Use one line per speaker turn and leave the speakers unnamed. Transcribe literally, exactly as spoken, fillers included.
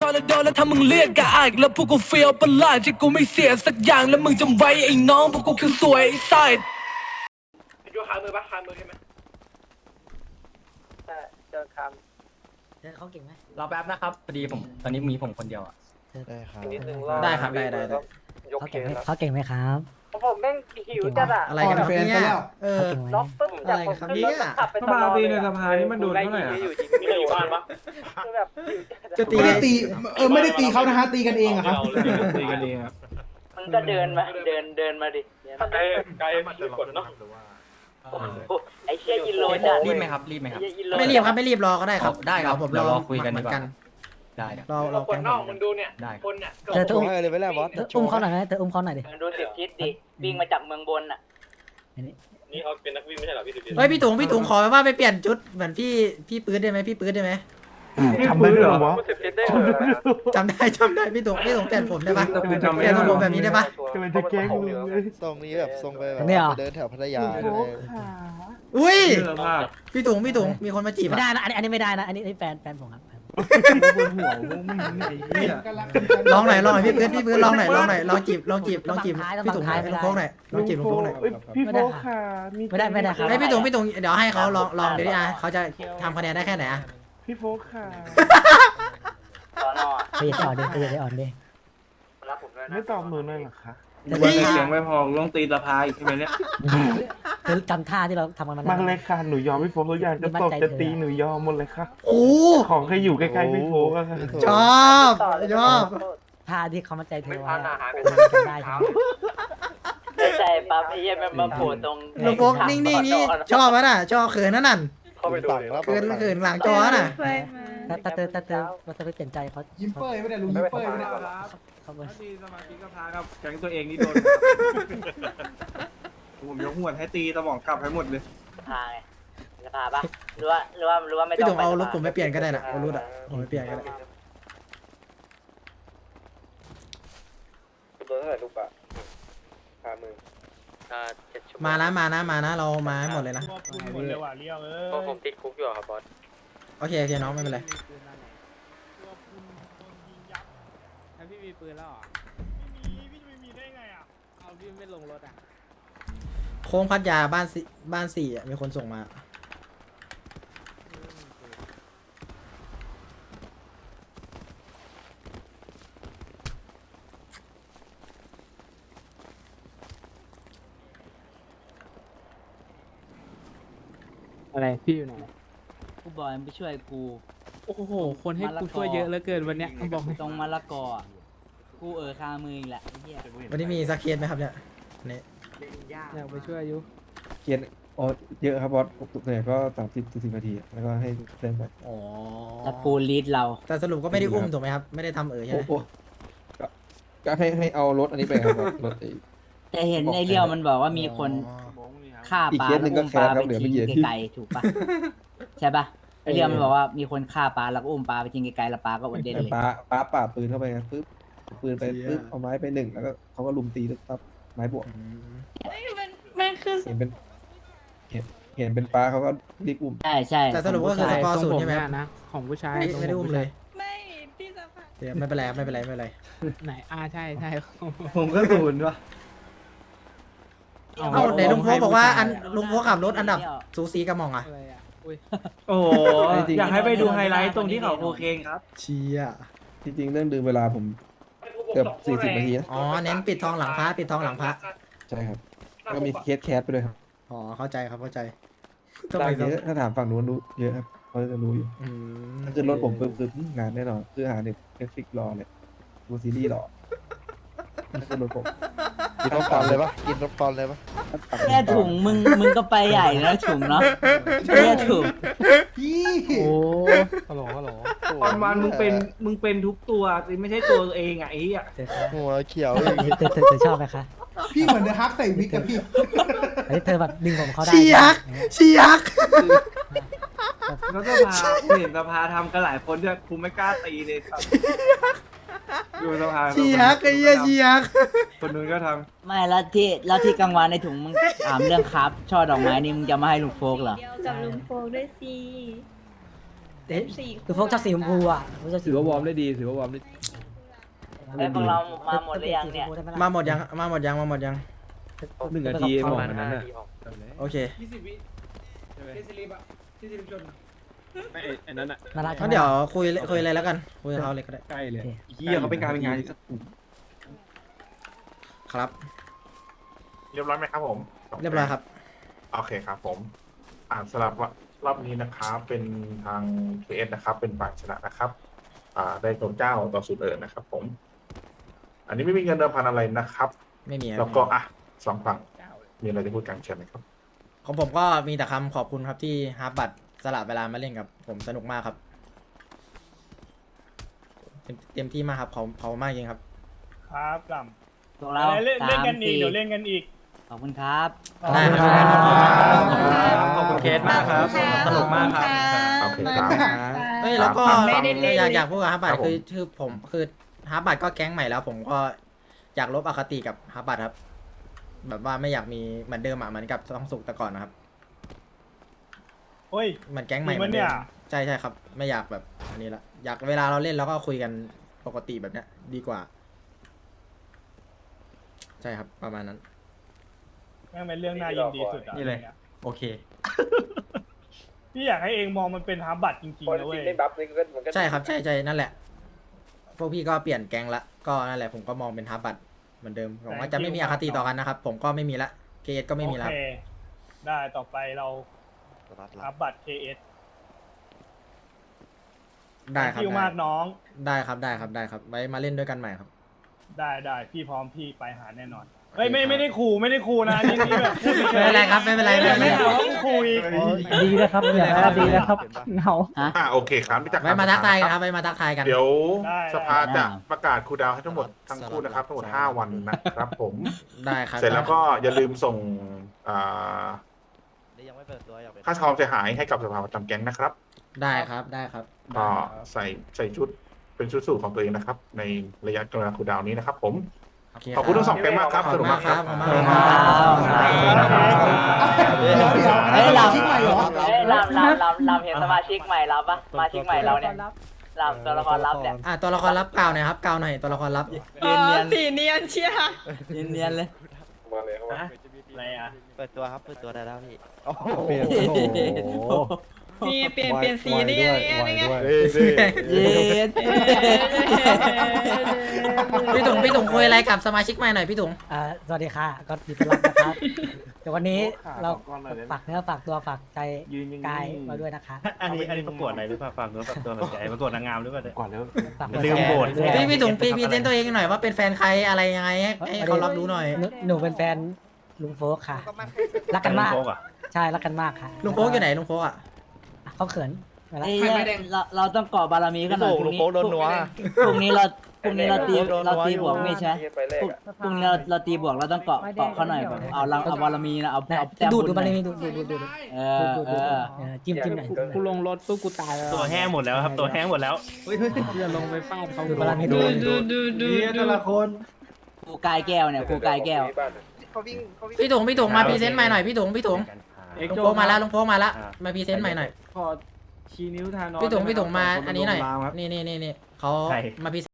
อนแล้วโดนแล้วถ้ามึงเรียกกะอายแล้วพวกกูเฟียวประหลาดที่กูไม่เสียสักอย่างแล้วมึงจำไว้ไอ้น้องพวกกูคือสวยไอ้ไซด์ดูขามือปะขามือใช่ไหม
ใช่เจอค
เธอเขาเก่งไหม
รอแป๊บนะครับพอดีผมตอนนี้มีผมคนเดียวอ่ะ
ได้ครับ
ำนิดนึง
ได้ครับได้ได้ได้
ยก
เขา
เค
เก่งไหม
สแล้ว
เขาเก่งไหมครับ
ผมแม่งหิวจัดอ่ะ
อะไรกันครับเนี่ยเออ
เขาเก่งไหม
ล็อกปึ๊บจากผมขึ้นรถขับไปตลอดเลยในสภานี่มันโดนเท่าไหร่อ่ะอยู่จริงไม่อยู่บ้านปะคือแบบ
จะตี
ไม่ได้ตีเออไม่ได้ตีเขานะฮะตีกันเองอะครับ
ตีกันเองครับ
มันก็เดินมาเดินเดินมาดิ
ไกลไกลมันจะกดเนาะ
ไอ้เชี่ยยินโรยจัด
รีบไหมครับรีบไหมครับ
ไม่รีบครับไม่รีบรอก็ได้ครับ
ได้ครับ
ผม
เดี๋ยว
ร
ร
อ
อคุยกัน
เห
ดี
มือก น
ว่า
กัน
ได้ครับ
รอร
เรา
อ
คนนอกมึงดูเนี่ย
ได้
คนเนี่ย
เธอต้อง
ให้เลยไปแล้วบอส
เธออุ้มเขาหน่อยไหมเธออุ้มเขาหน่อยดิ
ดูสิบทิศดิวิ่งมาจากเมืองบนอ่ะ
นี่เขาเป็นนักวิ่งไม่ใช่หรอพี่ดิ
เฮ้ยพี่ถุงพี่ถุงขอว่าไปเปลี่ยนชุดเหมือนพี่พี่ปื๊ดได้ไหมพี่ปื๊ดได้ไหม
ทำได้ด้วยเหรอวะ
สิบทิศได้เหรอ
จำได้จำได้พี่ถุงพี่ถุงเปลี่ยนผมได้ปะเปลี่ยนทรงผมแบบนี้ได้ปะ
กำลังจะแกล้งมึงเลย
ทรงนี้แบบทรงไปแบบ
เนี่ยเหรอ
ไปเดินแถวพัทยาเลย
อุ้ยพี่ถุงพี่ถุงมีคนมาจีบ
ไม่
อะ
ได้นะอันนี้อันนี้ไม่ได้นะอันนี้อันนี้แฟนแฟนผมครับ
ลองหน่อยลองหน่อยพี่ปื๊ดพี่ปื๊ดลองหน่อยลองหน่อยลองจีบลองจีบลองจีบพี่ถุงลุงโฟกหน่อยลองจีบลุงโฟกหน่อย
พี่โฟกค่ะ
ไม่ได้ไม่ได้ครับ
ให้พี่ถุงพี่ถุงเดี๋ยวให้เขาลองลองเดี๋ยวดิอ่ะเขาจะทำคะแนนได้แค่ไหนอ่ะ
พี่โฟกค่ะ
สอนอ
ไปอย่าอ่อนดิไปอย่าอ่อนดิ
รับผมด้วยนะ
ไม่ตอบหนูหน่อยเหรอคะ
นี่
เสียงไม่พอลงตีสะพายใช่ไหมเนี่ย
เธอจำท่าที่เราทำกันมา
มันเลยค่ะหนูยอมพี่โฟกทุกอย่างจะตบจะตีหนูยอมหมดเลยค่ะ
โอ้
ของแค่อยู่ใกล้ๆพี่โฟกอะค่ะ
ชอบชอบ
ท่าที่เขามาใจเธอ
ไม่
ไว้
พานาหารกัน
จำได้ใช่ไหม
ใช่ปั๊บไอ้เหี้ยมันมาโผล่ตรง
ลุงโฟกนิ่งๆนี่ชอบมั้ยน่ะชอบเขินนั่นน่ะ
เข้าไปดู
ต่างแล้ว
เขินเขินหลังจอน่ะ
ถ้าถ้าเธอถ้าเธอถ้าเธอไปเปลี่ยนใจเขา
ยิ้มเป้ยไม่ได้ลุงยิ้มเป้ยไม่ได้
เขาเขา
ตีสมาธิก็พาครับแก๊งตัวเองนี่โดนผมยกหัวให้ตีสมองกลับให้หมดเลย
พาไงจะพาปะหรือว่าหรือว่าหรือว่าไม่
พี่
ต้อง
ถุงเอารถผมไปเปลี่ยนก็ได้น่ะเอารถอ่ะผมไปเปลี่ยนก็ได้
โดนเท่าไหร่ลูกปะพามือ
มานะมานะมานะเรามาให้หมดเลยนะ
หมดเลยว่ะเลี้ยวเอ้
เพราะผมติดคุกอยู่ครับบอส
โอเคโอเคน้องไม่เป็นไร
พี่มีปืนแล้วเหรอ ไม่มี พี่จะไม่มีได้ไงอ่ะ เอาพี่ไม่ลงรถอ่ะ
โค้งพัทยาบ้านสี่บ้านสี่อ่ะมีคนส่งมา
อะไร พี่อยู่ไหน
กูบอยมันไปช่วยกู
โอ้โห คนให้กูช่วยเยอะเหลือเกินวันเนี้ยบอกให้
ตรงมะละกออะกูเออคามืออีกแหละไอ้เหี้ย
วันนี้มีสักเคสไหมครับเนี่ยนี่
อยากไปช่วยอายุ
เขียนอ๋อเยอะครับบอสส่วนใหญ่ก็สามสิบสี่สิบนาทีแล้วก็ให้เล่นไป
อ๋อ
ตะปูลีดเรา
แต่สรุปก็ไม่ได้อุ้มถูกไหมครับไม่ได้ทำเออใช่
โอ้
ไหม
โหก็ก็ให้ให้เอารถอันนี้ไปครับบอสรถไอ้
แต่เห็นไอ้เลี้ยวมันบอกว่ามีคนฆ่า
อีก
ปลา
เคสหนึ่
แล้ว
งก็
อุ้มปลา
แคสครั
ไป
บเหลือไม่
ทิ้ง
เยอะ
ไกลๆถูกปะใช่ปะไอ้เลี้ยวมันบอกว่ามีคนฆ่าปลาแล้วก็อุ้มปลาไปทิ้งไกลๆแล้วปลาก็วันเด่นเลย
ป้าป้าป่าปืนเข้าไปครับปึ๊บเอาปืนไปปึ๊บเอาไม้ไปหนึ่งแล้วก็เขาก็ลุมตีแล้วตับไม้บวก
อืม
มันคือ
เห็นเป็นเห็นเห็นเป็นป้าเขาก็รีบอุ้ม
ใช่ใช่
แต่สรุปก็คือสกอร์ศูนย์ใช่ไหมครับ
นะ ของผู้ชาย
ไม่ไม่ได้อุ้มเลย
ไม่พี่สภา
เดี๋ยวไม่เป็นไรครับไม่เป็นไรไม่เป็นไร
ไหน อ่า ใช่ใช่
ผมก็ศูนย์วะ
เอ้าไหนลุงโฟกบอกว่าอันลุงโฟกขับรถอันดับสูสีกับหมองอ่ะ
อะไรอ่ะ อุ้ย
โอ้อยากให้ไปดูไฮไลท์ตรงที่เขาโคเคนครับ
เชีย
จริงๆเรื่องดื่มเวลาผมเกือบสี่สิบนาทีนะ
อ๋อเน้นปิดทองหลังพระปิดทองหลังพระ
ใช่ครับแล้วก็มีเคสแคสไปด้วยครับ
อ๋อเข้าใจครับเข้าใจต้อง
ได้
ไป
เยอะถ้าถามฝั่งนู้นรู้เยอะครับเขาจะรู้อยู่
อืม
ถ้าขึ้นรถผมปึ๊บปึ๊บงานแน่นอนคือหาเน็ตเน็ตฟิกรอเลยดูซีรีส์รอถ้าขึ้นรถผม
กินน้ำตาลเลยปะกินน้ำตาลเลยปะ
แค่ถุงมึงมึงก็ไปใหญ่แล้วถุงเนาะแค่ถุง
พี่
โอ้
ฮัลโหลฮัลโหล
วันวันมึงเป็นมึงเป็นทุกตัวสิไม่ใช่ตัวเองอ่ะไอ้เหี้ย
เธอ
หัวเขียว
เธ
อีก
อเธอเธอเธอชอบไหมคะ
พี่เหมือนเดอะฮักใส่วิกกับพี่
เฮ้ยเธอแบบดึงผมเขาได้
เชียักเชียัก
แล้วก็พาเห็นสภาทำกันหลายคนด้วยกูไม่กล้าตีเลยครับดูสภา
เชียักไอ้เหี้ยเชียัก
คนนู้นก็ท
ไม่แล้วที่แล้วที่กลางวันในถุงมึงถามเรื่องครับช่อดอกไม้นี่มึงจะมาให้ลุงโฟกเหรอ
เดียวกับลุงโฟกด้วยสิ
เอ๊ะคือพวกชอบสีชมพูอ่ะพวกชอบสี
ถือว่าวอร์มได้ดีถือว่าวอร์มได้
ไอ้พวกเรามาหมดหรือยังเนี่ย
มาหมดยังมาหมดยังมาหมดยัง
หนึ่งนาทีบอกมันนั้นน่ะ
โอเค
ยี่สิบวิที่สิริปอะที่สิริชนอะ
ไม่ไอ้นั้นอ่ะ
น่ารัก
งั้นเดี๋ยวคุยคุยอะไรแล้วกันคุยกับเขาเลยก็ได้
ใกล้เลยเฮียเขาเป็นการเป็นงานที่
ครับ
เรียบร้อยไหมครับผม
เรียบร้อยครับ
โอเคครับผม อ่านสลับรอบนี้นะครับ เป็นทาง เค เอส นะครับ เป็นฝ่ายชนะนะครับ อ่า ได้ตัวเจ้าต่อศูนย์เอิญนะครับ ผม อันนี้ไม่มีเงินเดิมพันอะไรนะครับ
ไม่มี
แล้วก็อ่ะสองฝั่งมีอะไรจะพูดกันเชิญไหมครับ
ของผมก็มีแต่คำขอบคุณครับที่ฮาร์บัตสละเวลามาเล่นกับผมสนุกมากครับเต็มเต็มที่มากครับเขาเขามากจริงครับ
ครับกล่
พวก
ำ
เรา
เล่น
สา
เล่น
ม
กันอีก
สี่
เดี๋ยวเล่นกันอีก
ขอบคุณครับ
ได้ครับ
ขอบคุณเคสมากครับสนุกมากครับ
โอเคครับ
เฮ้ยแล้วก็
ไม่ได้เล่น
อยากอยากพูดกับฮาร์บัต
ครับผม
คือคือผมคือฮาร์บัตก็แก๊งใหม่แล้ว ผมก็อยากลบอคติกับฮาร์บัตครับ แบบว่าไม่อยากมีเหมือนเดิมอ่ะเหมือนกับต้องสุกแต่ก่อนนะครับ
โอ้ย
เหมือนแก๊งใหม่
จริง
เหมื
ปะ
อนเดิม
เนี่ย
ใช่ใช่ครับ ไม่อยากแบบอันนี้ละอยากเวลาเราเล่นเราก็คุยกันปกติแบบเนี้ย ดีกว่า ใช่ครับประมาณนั้น
แม่งเป็นเรื่องน่ายินดีสุดอะ
นี่เลย โอเค
พี่อยากให้เองมองมันเป็นฮาร์บัตจริงๆนะเว้ย
ใช่ครับใช่ใช่นั่นแหละ พวกพี่ก็เปลี่ยนแก๊งละก็นั่นแหละผมก็มองเป็นฮาร์บัตเหมือนเดิมผมว่าจะไม่มีอคติต่อกันนะครับ ผมก็ไม่มีละเคเอสก็ไม่มีละ
โอเคได้ต่อไปเราฮาร์บัต เค เอส
ได้ครับ
คิว
ได้
มากน้อง
ได้ครับได้ครับได้ครับไว้มาเล่นด้วยกันใหม่ครับ
ได้ได้พี่พร้อมพี่ไปหาแน่นอนเฮ้ยไม่ไม่ได้ขู่ไม่ได้ขู่นะนี่นี่แบบพูดฉยๆ
ไม่เป็นไรครับไม่เป็นไรไม่เป็นไร
ไม่เอาว่าคุย
ดีนะครับอย่าดีนะครับเหงา
อ่าโอเคครับพี่จักร
ไว้มาทักทายกันครับไว้มาทักทายกัน
เดี๋ยว
ได้
สภาจะประกาศคูลดาวน์ให้ทั้งหมดทั้งคู่นะครับ ทั้งหมดห้าวันนะครับผม
ได้ครับ
เสร็จแล้วก็อย่าลืมส่งอ่า
ยังไม่เปิดตัวอยากเป็น
ค่าความเสียหายให้กับสภาประจำแก๊งนะครับ
ได้ครับได้ครับ
ก็ใส่ใส่ชุดเป็นชุดสูทของตัวเองนะครับ ในระยะกลางคูลดาวน์นี้นะครับผม
โเค
ขอบคุณทั้งสองแก๊งมากครับ
ขอบ
ส
คุ
นุ
ณ
ก
มาม
าก ก
ค
ค
รั
รั
บบ ขอบคุณมากครับ
เฮ้ยเราเฮ้ยลำลำลำลำเห็นสมาชิกใหม่เราปะสมาชิกใหม่เราเนี่ยลำตัวละครลับเนี่ย
อ่ะตัวละครลับกล่าวหน่อยครับกล่าวหน่อยตัวละครลับ
อ๋อสีเนียนเชียร์
เนียนเนียนๆเลย
อะไรอ่ะ
เปิดตัวครับเปิดตัวได้แล้วพี่
เปลี่ยนโอ้โห
มีเปลี่ยนเปลี่ยนสีนี่ไงนี่ไง
เย็ด
พี่ถุงพี่ถุงคุยอะไรกับสมาชิกใหม่หน่อยพี่ถุง
อ่าสวัสดีค่ะก็ยินดีต้อนรับนะครับแต่วันนี้เราฝากเนื้อฝากตัวฝากใจ
ยืนยัง
กายมาด้วยนะคะ
อันนี้อันนี้ประกวดอะไรหรือเปล่าฝากเนื้อฝากตัวฝากใจประกวดนางงามหรือเปล่าก่อนแล้ว
ฝาก
ลืมโบสถ์
ด้วย
พี่พี่ถุงพี่พี่เซนตัวเองหน่อยว่าเป็นแฟนใครอะไรยังไงให้ให้เขารับรู้หน่อย
หนูหนูเป็นแฟนลุงโฟกค่ะ รักกันมาก
โฟกอ่ะ
ใช่รักกันมากค่ะ
ลุงโฟกอยู่ไหนลุงโฟกอ่ะ
เขาเขินมาแล้ว
เอ้ยเราเราต้องเกาะบารมีกันหน่อยพรุ่งนี้พรุ่งนี้เราพรุ่งนี้เราตีเราตีบวกไม่ใช่พรุ่งพรุ่งนี้เราเราตีบวกเราต้องเกาะเกาะเขาหน่อยแบบเอาเราเอาบารมีนะเอาเอาแต้ม
ดู
บุ
ด
ญ
ดู
ห
มา
น่
เล
อย
ยดูดูดูดูดู
เอ
ดู
อ
ดู
เอ
ดู
อ
เออจิ้มจิ้มหน่อย
กูลงรถปุ๊บกูตายแล้ว
ตัวแห้งหมดแล้วครับตัวแห้งหมดแล้ว
จะลงไปฟาดเขา
ดูบารมี
ดู
ดู
ดูดูดู
นี่แต่ละคน
ครูกายแก้วเนี่ยครูกายแก้ว
พี่ถุงพี่ถุงมาพรีเซนต์ใหม่หน่อยพี่ถุงพี่ถุงลุงโฟกมาแล้วลุงโฟกมาแล้วมาพรีเซนต์ใหม่หน่อย
ขอชี้นิ้วทานอ
พี่ถุงพี่ถุงมา
ขบคุณ
อันนี้หน่อย
ลงรามครับ
นี่นี่นี่นี่เขา
ใคร
มาพรี